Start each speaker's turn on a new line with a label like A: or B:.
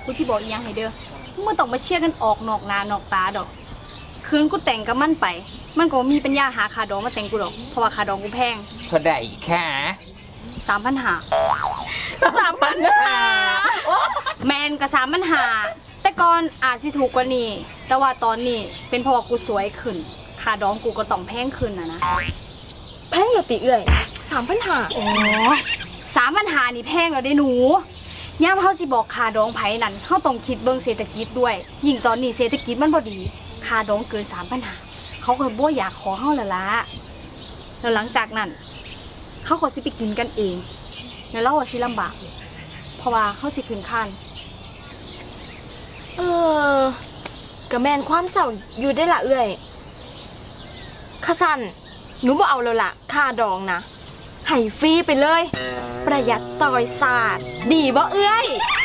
A: กูที่บอกอีกอย่างให้เด้อมึงต้องมาเชี่ยกันออกนอกหน้านอกตาดอกคืนกูแต่งกับมันไปมันก็มีปัญญาหาคาดองมาแต่งกูดอกเพราะว่าคาดองกูแพง
B: เท่าใดค่ะ
A: 3,500แมนกับ3,500แต่ก่อนอาจสิถูกกว่านี้แต่ว่าตอนนี้เป็นเพราะว่ากูสวยขึ้นคาดองกูก็ต้องแพงขึ้นนะ
C: แพงเหรอติเอื่อย3,500
A: โอ้3,500นี่แพงแล้วเด้หนูย่ามเฮาสิบอกคาดองไผนั่นเฮาต้องคิดเบิ่งเศรษฐกิจด้วยยิ่งตอนนี้เศรษฐกิจมันบ่ดีคาดองเกิน3,500เขาก็บ่อยากขอเฮาละละแล้วหลังจากนั้นเขาก็สิไปกินกันเองแล้วเราสิลำบากเพราะว่าเฮาสิขึ้นคาน
C: ก็แม่นความเจ้าอยู่ได้ละเอื่อยข้าสั่นหนูบ่เอาแล้วล่ะค่าดองนะให้ฟรีไปเลยประหยัดซอยศาสตร์ดีบ่เอื้อย